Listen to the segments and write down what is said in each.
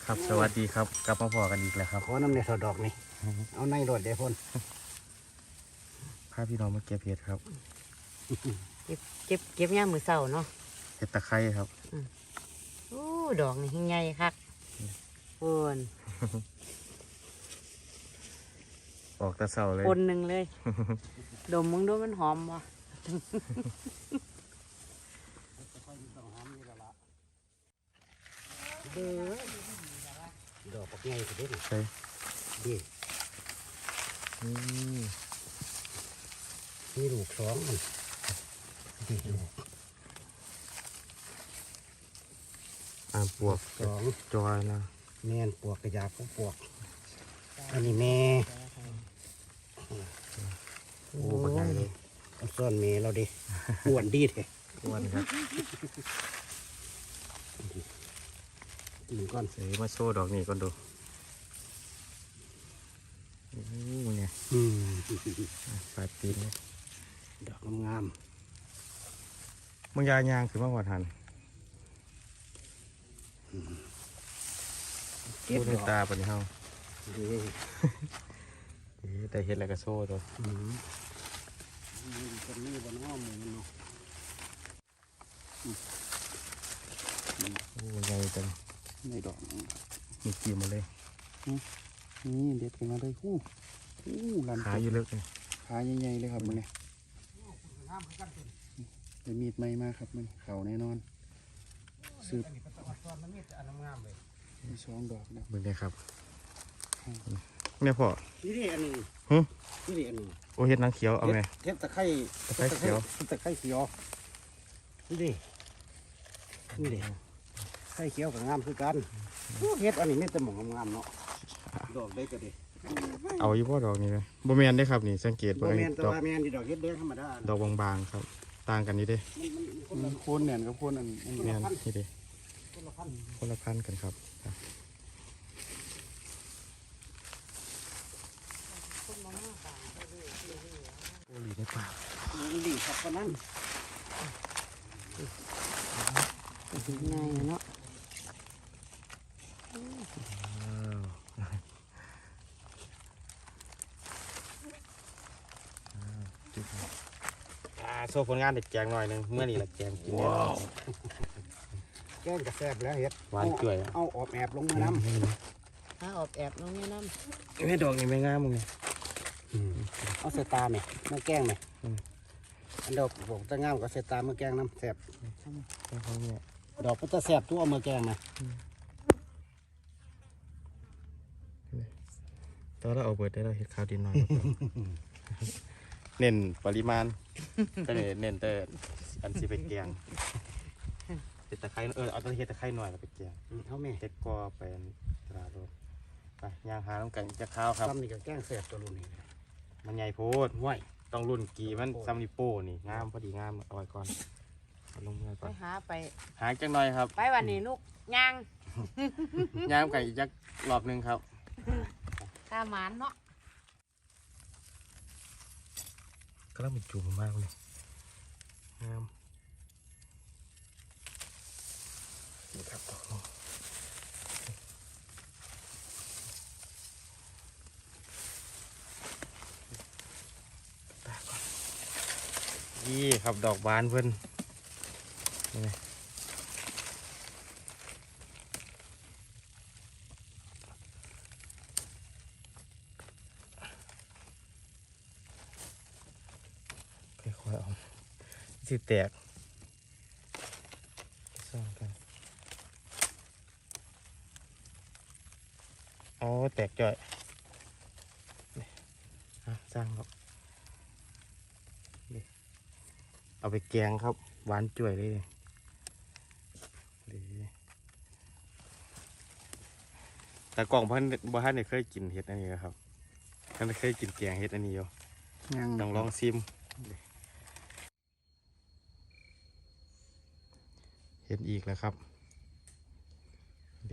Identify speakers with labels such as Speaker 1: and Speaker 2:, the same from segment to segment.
Speaker 1: ครับสวัสดีครับกลับมาพอกันอีกแล้วครับ
Speaker 2: ขอน้ำในสอดดอกนี่เอาในรถเดี๋ยวพ่น
Speaker 1: พาพี่น้องมาเก็บเห็ดครับ
Speaker 3: เก็บย่ามมือเสาเนาะ
Speaker 1: เห็ดตะไคร้ครับ
Speaker 3: โอ้ดอกนี่ใหญ่คักโอน
Speaker 1: ออกแตะเสาเลย
Speaker 3: คนหนึ่งเลย ดมมึงดูมันหอมวะ
Speaker 2: ดอกปักใหญ่สุดเด็ด
Speaker 1: ใช่
Speaker 2: ดี
Speaker 1: อืม
Speaker 2: มีลูกสองมันดีลูก
Speaker 1: ปวก
Speaker 2: สอง
Speaker 1: จอยนะ
Speaker 2: แม่นปวกกระยาผู้ปวก อันนี้แม่
Speaker 1: โอ้ปักใหญ่เลย
Speaker 2: เอาซ่อนแม่เราดิอ้วนดีแท้
Speaker 1: อ้วนครับ
Speaker 2: กินก้อน
Speaker 1: เสยมาโชว์ดอกนี้ก่อนดูโอ้เนี่ย
Speaker 2: อืม
Speaker 1: ปลายปีนเลย
Speaker 2: ดอกงาม
Speaker 1: มึงยายางคือมาหัวทัน
Speaker 2: ๆเก็บ
Speaker 1: พูดใน
Speaker 2: ดอก
Speaker 1: ตาปะเนี่ยเฮา
Speaker 2: ดี
Speaker 1: แต่เห็ดอะไรก็โซ่ตัว
Speaker 2: อืมคนนี้บนอ้อมมือมันเนาะ
Speaker 1: โอ้ใหญ่จัง
Speaker 2: ในดอก
Speaker 1: มีกี่มาเลย
Speaker 2: นี่เด็ดขึ้นมาเลยหู้ลำ
Speaker 1: ขาอยู่ลึกเลย
Speaker 2: ขาใหญ่ๆเลยครับมึงเนี่ยได้มีดใหม่มาครับมึงเขาแน่นอนสืบมีสองดอกนะ
Speaker 1: มึงเนี่ยครับเนี่ยพ่อ
Speaker 2: นี่ดิอันหนึ่ง
Speaker 1: หึ
Speaker 2: นี่ดิอันหนึ่ง
Speaker 1: โอ้เห็ดนางเขียวเอาไง
Speaker 2: เทปตะไคร้
Speaker 1: ตะไคร้เขียว
Speaker 2: ตะไคร้เขียวนี่ดินี่ดิไข่เขียวกับงามคือกันเฮ็ดอันนี้ไม่แต่หมองงามๆเนาะดอกได้ก็ดี
Speaker 1: เอาอยู่พ่อดอกนี้เลยบ่แมนได้ครับนี่สังเกต
Speaker 2: บ่
Speaker 1: เบิ่ง
Speaker 2: แม่นแต่
Speaker 1: ดอก
Speaker 2: ว่าแม่นที่ดอกเฮ็ดแดงธรรมดา
Speaker 1: ดอกบางๆครับ ต่างกันนี่เด้
Speaker 2: มันโคนเนี่ยกับโคนอัน
Speaker 1: แมนนี่เด้
Speaker 2: คนละพัน
Speaker 1: คนละพันกันครับโอ้หลีในป่า
Speaker 2: นี่ดีครับคนนั้น
Speaker 3: ง่ายเนาะ
Speaker 1: โซ่ผลงานเด็ดแจงหน่อยหนึงเมื่อนี่แหละแจงกินเนี่ย
Speaker 2: แกงกระแซบแล้วเฮ็ด
Speaker 1: หวานจ่วย
Speaker 2: เอาออบแอบลงมาน้
Speaker 3: ถ้าออบแอบลงเนี่ยน้
Speaker 1: ไม่ดอกนี่ไม่งามมึงเนี่ย
Speaker 2: ำเอาใส่ตาไหมเมื่อแกงไหมอันดอกบอกจะงามก็ใส่ตาเมื่อแกงน้ำแซบ
Speaker 1: เขาเนี่ย
Speaker 2: ดอกก็จะแซบตัวเมื่อแกงไหม
Speaker 1: ตอนเราเอาเบิดได้เราเห็ดข้าวดินหน่อย เน้นปริมาณก็เลยเน้นแต่อันสิไปแกงเห็ดตะไคร้เอาแตะเห็ดตะไคร้หน่อยแล้วไปแกง
Speaker 2: เอาแม่
Speaker 1: เห็ดกอเป็นตราโรดไปย่างหาต้องกันจะข้าวครับ
Speaker 2: ซ้ำนี่ก็แกงแซบตัวรุ่นนี้
Speaker 1: มันใหญ่โพด
Speaker 2: ห้วย
Speaker 1: ต้องรุ่นกี่มันซัมนิโป้นี่งามพอดีงามเอาไว้ก่อนเอาลงมือ
Speaker 3: ำ
Speaker 1: ก่
Speaker 3: ไป
Speaker 1: อน
Speaker 3: หาไป
Speaker 1: หาจังหน่อยครับ
Speaker 3: ไปวันนี้ลูกย่าง
Speaker 1: ย่างไก่อีกจักรอบหนึงครับ
Speaker 3: ตาหมานเนาะ
Speaker 1: ก็แล้วมันจุ่มมากเลยงามนี่ครับดอกนี้ตาก่อนนี่ครับดอกบานเพิ่นนี่ไงค่อยๆเอาสิแตกซ่อนกันอ๋อแตกจ่อยนี่สร้างครับนี่เอาไปแกงครับหวานจ่วยเลยดีแต่กล่องพันบ่ทันได้เคยกินเห็ดอันนี้ครับท่านได้เคยกินแกงเห็ดอันนี้อยู่
Speaker 2: ยัง
Speaker 1: ต้องลองซิมเห็นอีกแล้วครับเด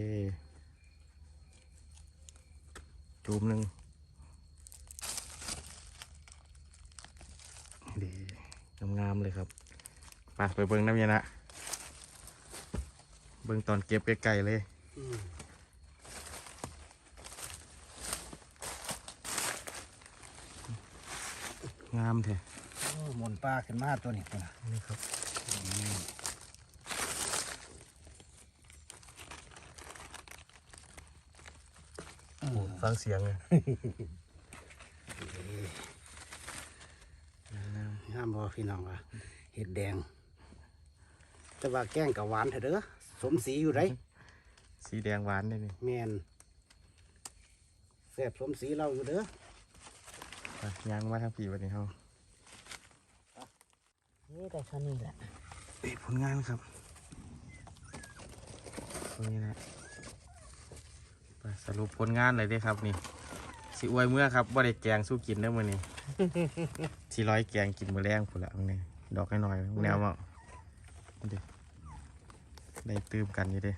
Speaker 1: จูมหนึ่งเดงามๆเลยครับไปเบิ้งน้ำยานะเบิ้งตอนเก็บไกลๆเลยงามแท้
Speaker 2: โอ้หมุนปลาขึ้นมาตัวนี้พุ่นน่ะ
Speaker 1: นี่ครับฟังเสียงเลย
Speaker 2: งามบ่พี่น้องอ่ะเห็ดแดง แต่ว่าแกงกับหวานเถอะเด้อสมสีอยู่ไร
Speaker 1: สีแดงหวานเลยนี่
Speaker 2: แมนแซ่บสมสีเราอยู่เด้อ
Speaker 1: ไปย่างมาทางผีวันนี้เฮา
Speaker 3: นี่แต่เท่านี้แหละ
Speaker 1: ผลงานครับตรงนี้นะไปสรุปผลงานเลยเด้ครับนี่สิอวยเมื่อครับบ่ได้แกงสู้กินเด้อมื้อนี้ ที่ร้อยแกงกินมื้อแรงพุ่นละมื้อนี้ดอกน้อยๆแนวว่าดิได้ตื่มกันอยู่เด้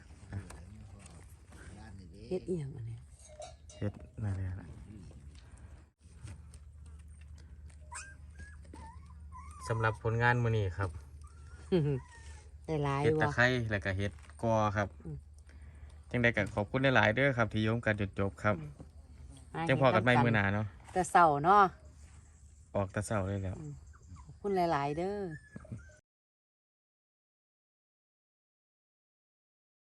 Speaker 3: เฮ็ดอีหยังอันนี้
Speaker 1: เฮ็ดนั่นแหละสำหรับผลงานมื้อนี้ครับ
Speaker 3: ได้หลาย
Speaker 1: เฮ็ดตะ
Speaker 3: บ่
Speaker 1: ไคร้แล้วก็เฮ็ดกอครับจังใดก็ขอบคุณหลายๆเด้อครับที่โยมกันจนจบครับจังพอกันใหม่มื้อหน้าเนาะ
Speaker 3: แต่เช้าเนาะ
Speaker 1: ออกแต่เช้าเลยแล้ว
Speaker 3: ขอบคุณหลายๆเด้อ